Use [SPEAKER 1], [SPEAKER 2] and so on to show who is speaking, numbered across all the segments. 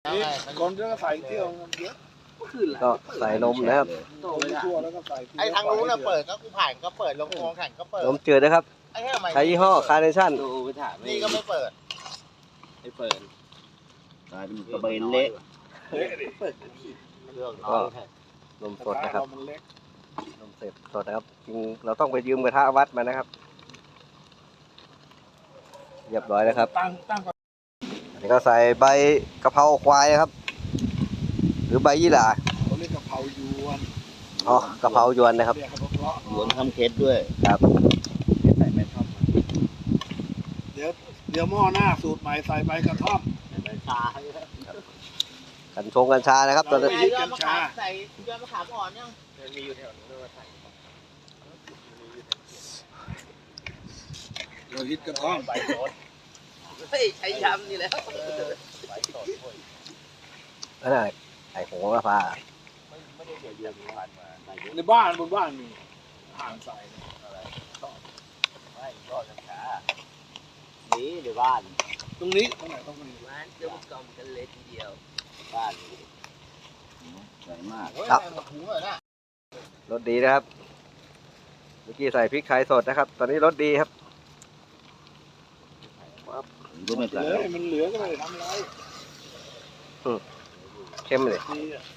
[SPEAKER 1] ก่อนจะใส่เที่ยวเยอะ
[SPEAKER 2] ก็ใส่นมนะครับ
[SPEAKER 1] ทั่วแล้วก็ใส่
[SPEAKER 3] ไอ้ทางนู้นเปิดก็กูผ่านก็เปิดลงคลองแข่งก็เปิด
[SPEAKER 2] นมจืดนะครับใช้ยี่ห้อคาร์เนชั่น
[SPEAKER 3] นี่ก็ไม่เปิด
[SPEAKER 4] ไม่เปิด
[SPEAKER 5] กลายเป็นกระเบนเละ
[SPEAKER 2] ก็นมสดนะครับนมสดนะครับจริงเราต้องไปยืมกระทะวัดมานะครับเรียบร้อยแล้วครับอันนี้ก็ใส่ใบกะเพราควายนะครับหรือใบยี่หร่า
[SPEAKER 1] เขาเรียกกะเพรายวน
[SPEAKER 2] อ๋อกะเพรายวนนะครับ
[SPEAKER 5] หยวนทำเคสด้วย
[SPEAKER 2] ครับ
[SPEAKER 1] เดี๋ยวหม้อหน้าสูตรใหม่ใส่ใบกระท่อม
[SPEAKER 2] กัญชงกัญชานะครับตอนนี้
[SPEAKER 3] ใส่ยอดมะขามใส่ยอดมะขามอ่อนยัง
[SPEAKER 4] มีอยู่แถวนู้นมาใส่
[SPEAKER 1] เราฮิตกระท่อม
[SPEAKER 4] ใบโรส
[SPEAKER 3] เฮ้ยใช้ยำนี่แล้ว
[SPEAKER 4] ใบสดโอ้ย
[SPEAKER 2] นั่นแหละไอ้โหระพา
[SPEAKER 4] ไม่ได้เดี๋ยวเดือนผ่านมาใส่เยอะ
[SPEAKER 1] ในบ้านบนบ้านมีห่างใส่
[SPEAKER 4] อะไรไม่รอดกันช้านี่เดี๋ยวบ้าน
[SPEAKER 1] ตรงนี้ตรงไหนต้องมี
[SPEAKER 3] ร้านเดี๋ยวกล่อมกันเลยทีเดียว
[SPEAKER 4] บ้าน
[SPEAKER 5] ใส่มาก
[SPEAKER 3] โอ้ยหมดถุงเลยนะ
[SPEAKER 2] รสดีนะครับเมื่อกี้ใส่พริกไทยสดนะครับ ตอนนี้รสดีครับ
[SPEAKER 5] ผมก็ไม่ใส่
[SPEAKER 1] เลยมันเหลือก็ไม่ได้ทำอะไร
[SPEAKER 2] เข้มเลย
[SPEAKER 1] ดีอ่ะ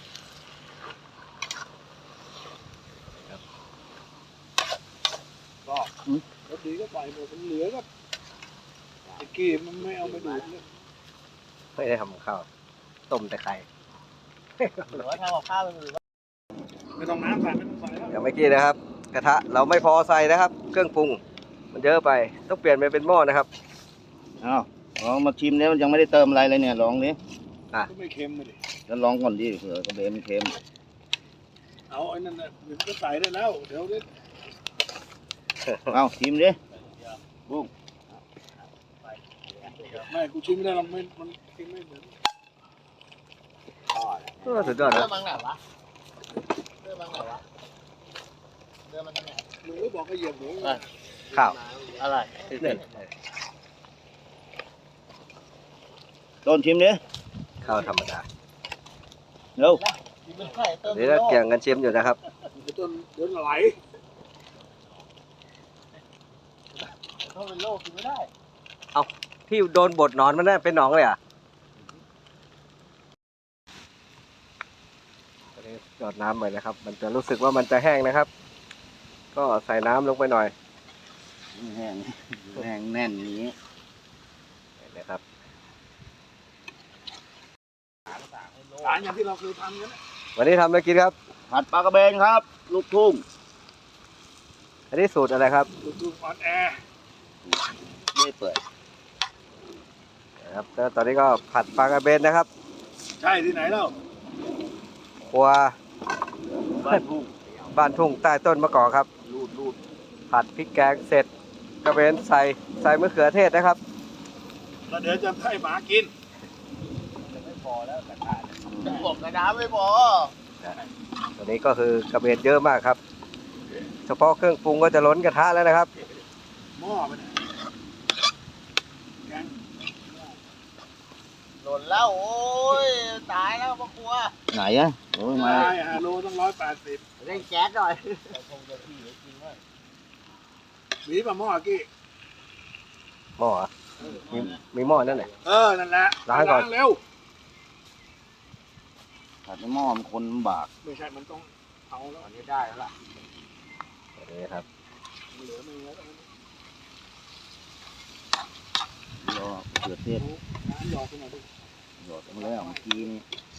[SPEAKER 1] ก็รสดีก็ใส่หมดมันเหลือก็ตะกี้มันไม่เอามาดูดเลย
[SPEAKER 2] ไม่ได้ทำข้าวต้มแต่ไข่
[SPEAKER 3] หรือว่าทำกับข้าวเป็นหรือว่า
[SPEAKER 1] ไม่ต้องน้ำใส่ไม่ต้องใส่แล้ว
[SPEAKER 2] อย่างเมื่อกี้นะครับ กระทะเราไม่พอใส่นะครับ เครื่องปรุงมันเยอะไปต้องเปลี่ยนไปเป็นหม้อนะครับ
[SPEAKER 5] อ้าวลองมาชิมแล้วมันยังไม่ได้เติมอะไรเลยเนี่ยลองดิ
[SPEAKER 1] ก็ไม่เค็มเลยดิ
[SPEAKER 5] แล้วลองก่อนดิเผื่อกระเบนมันเค็ม
[SPEAKER 1] เอาไอ้นั่นน่ะเดี๋ยวก็ใส่ได้แล้วเดี๋ยวนี้
[SPEAKER 5] เอาชิมดิ
[SPEAKER 1] ไม่กูชิมไม่ได้หรอกมันกินไม่เหมือน
[SPEAKER 2] สุดยอด
[SPEAKER 3] เรื่
[SPEAKER 2] นะ
[SPEAKER 3] องบางไหนวะเรื่องบางไหนวะเรื่องมันทางไหน
[SPEAKER 1] มึงก็บอกก็เหยียบหมู
[SPEAKER 2] ข้าว
[SPEAKER 3] อะไร
[SPEAKER 2] นี่
[SPEAKER 5] ต้นชิมดิ
[SPEAKER 2] ข้าวธรรมดา
[SPEAKER 5] เร็ว
[SPEAKER 3] กินไม่ได้เติม
[SPEAKER 2] เดี๋ยวเราเกี่ยงกันชิมอยู่นะครับ
[SPEAKER 1] จนเดี๋ยวไหล
[SPEAKER 3] เขาเป็นโรคกินไม่ได้
[SPEAKER 2] ที่โดนบดหนอนมันน่ะเป็นหนองเลยอ่ะตอนนี้หยอดน้ำไปนะครับ มันจะรู้สึกว่ามันจะแห้งนะครับ ก็ใส่น้ำลงไปหน่อย
[SPEAKER 5] แห้งแห้งแน่นอย่างนี้
[SPEAKER 2] นะครับ
[SPEAKER 1] สารอย่างที่เราเคยทำกันนะ
[SPEAKER 2] วันนี้ทำอะไรกินครับ
[SPEAKER 5] ผัดปลากระเบนครับ ลูกทุ่ง
[SPEAKER 2] อันนี้สูตรอะไรครับ
[SPEAKER 1] ดูออนแอร์
[SPEAKER 5] ไม่เปิด
[SPEAKER 2] นะครับแล้วตอนนี้ก็ผัดปลากระเบนนะครับ
[SPEAKER 1] ใช่ที่ไหนเล่า
[SPEAKER 2] ครัว
[SPEAKER 5] บ้านทุ่ง
[SPEAKER 2] บ้านทุ่งใต้ต้นมะกอกครับ
[SPEAKER 5] รูด
[SPEAKER 2] ผัดพริกแกงเสร็จกระเบนใส่มะเขือเทศนะครับ
[SPEAKER 1] แล้วเดี๋ยวจะให้หมากิน
[SPEAKER 4] ไม่พอแล้วกระทะ
[SPEAKER 3] บอกกระดาษไม่พอ
[SPEAKER 2] ตัวนี้ก็คือกระเบนเยอะมากครับ เฉพาะเครื่องปรุงก็จะล้นกระทะแล้วนะครับ
[SPEAKER 1] หม้อไปไหนแกง
[SPEAKER 3] หล่นแล้วโอ้ยตายแล้วพ่อครัว
[SPEAKER 5] ไหนอะโอ้ยมา
[SPEAKER 1] ได้ฮาโลต้อง180
[SPEAKER 3] เร่งแก๊สหน่อย
[SPEAKER 4] คงจะที่ไว้กินว่า
[SPEAKER 1] หวีป่ะหม้อกี้
[SPEAKER 2] หม้อเหรอมีหม้อนั่นแหละ
[SPEAKER 1] นั่นแหละ
[SPEAKER 2] ล้างก่อน
[SPEAKER 1] เร็ว
[SPEAKER 5] ผัดในหม้อมันคนลำบาก
[SPEAKER 1] ไม่ใช่มันต้องเอาแล้ว
[SPEAKER 4] ตอนนี้ได้แล้วล่ะ
[SPEAKER 2] ตัวนี้ครับ
[SPEAKER 1] เหลือไม่เยอะ
[SPEAKER 5] รอเกิดเทศ
[SPEAKER 1] น้ำหยอดไปหน่อยดิ
[SPEAKER 5] หยอดไปแล้วเมื่อกี้นี่